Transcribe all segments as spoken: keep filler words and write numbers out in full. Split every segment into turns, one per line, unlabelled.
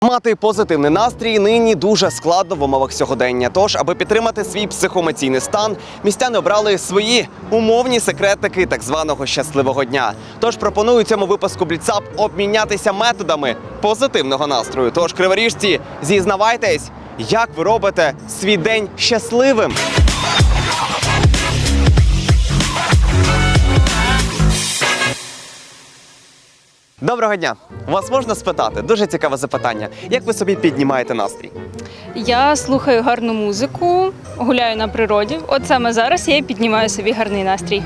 Мати позитивний настрій нині дуже складно в умовах сьогодення. Тож, аби підтримати свій психоемоційний стан, містяни обрали свої умовні секретики так званого щасливого дня. Тож пропоную у цьому випуску Бліцап обмінятися методами позитивного настрою. Тож, криворіжці, зізнавайтесь, як ви робите свій день щасливим? Доброго дня! Вас можна спитати? Дуже цікаве запитання. Як ви собі піднімаєте настрій?
Я слухаю гарну музику, гуляю на природі. От саме зараз я і піднімаю собі гарний настрій.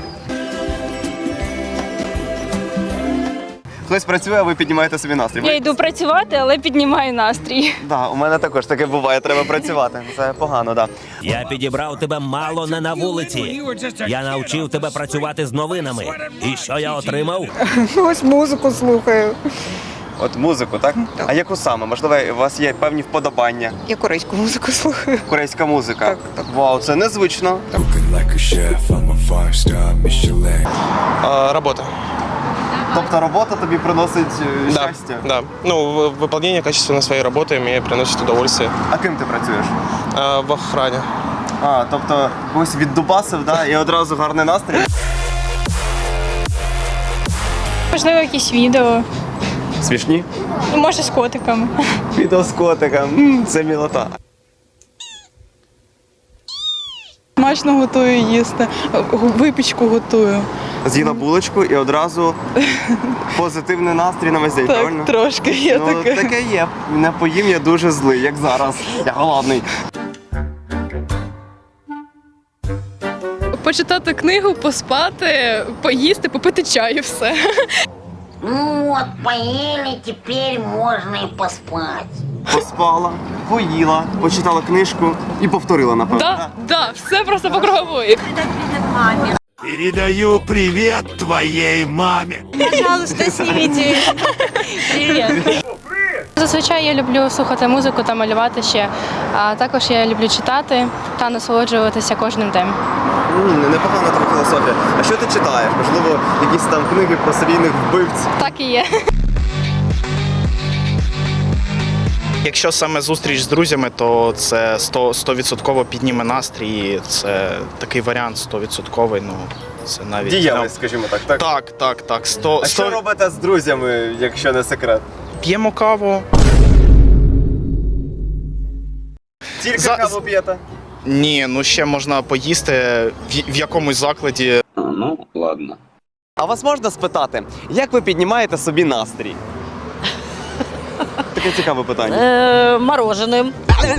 Хтось працює, а ви піднімаєте собі настрій?
Я йду працювати, але піднімаю настрій.
Так, да, у мене також таке буває, треба працювати. Це погано, так. Да.
Я підібрав тебе мало не на вулиці. Я навчив тебе працювати з новинами. І що я отримав?
Ось музику слухаю.
От музику, так? А яку саме? Можливо, у вас є певні вподобання?
Я корейську музику слухаю.
Корейська музика?
Так, так.
Вау, це незвично.
А, работа.
Тобто робота тобі приносить е,
Да,
щастя?
да. Ну, в- выполнение качественно своей работы мне приносит удовольствие.
А ким ти працюєш?
А, в охране.
А, тобто когось віддубасив, да? І одразу гарний настрій?
Можливо, якісь відео,
Смішні?
може з котиками.
Відео з котиком. М, це мілота.
Смачно готую їсти, випічку готую.
З'їла булочку і одразу позитивний настрій на весь день, правильно?
Так, трошки є
Ну,
таке.
таке є. Не поїм, я дуже злий, як зараз. Я голодний.
Почитати книгу, поспати, поїсти, попити чаю, все.
Ну вот, поели, теперь можно и поспать.
Поспала, поїла, почитала книжку і повторила, напевно.
Да, да, все просто по кругової.
Передаю привіт твоїй мамі.
Пожалуйста, снимите. Привіт. Зазвичай я люблю слухати музику та малювати ще, а також я люблю читати та насолоджуватися кожним днем.
М, непогана там філософія. А що ти читаєш? Можливо, якісь там книги про серійних вбивць?
Так і є.
Якщо саме зустріч з друзями, то це сто відсотків підніме настрій. Це такий варіант сто відсотків. Ну, це навіть
Діяльність, скажімо так, так?
Так, так, так. сто,
А що робите з друзями, якщо не секрет?
П'ємо каву.
Тільки
За-
каву п'єте?
Ні, ну ще можна поїсти в, в якомусь закладі.
А вас можна спитати, як ви піднімаєте собі настрій? Таке цікаве питання.
Э, мороженым.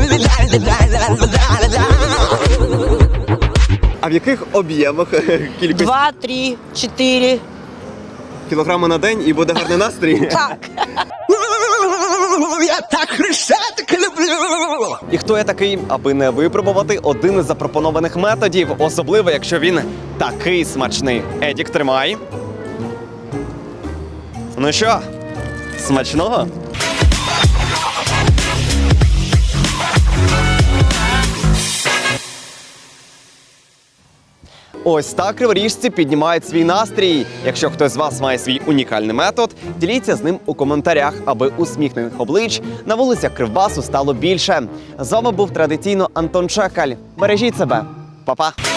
А в яких об'ємах кількість
Два, три, четыре.
кілограми на день і буде гарний настрій?
Так.
Я так хрещатик люблю.
І хто я такий, аби не випробувати один із запропонованих методів, особливо, якщо він такий смачний. Едік, тримай. Ну що, смачного? Ось так криворіжці піднімають свій настрій. Якщо хтось з вас має свій унікальний метод, діліться з ним у коментарях, аби усміхнених облич на вулицях Кривбасу стало більше. З вами був традиційно Антон Чекаль. Бережіть себе. Па-па!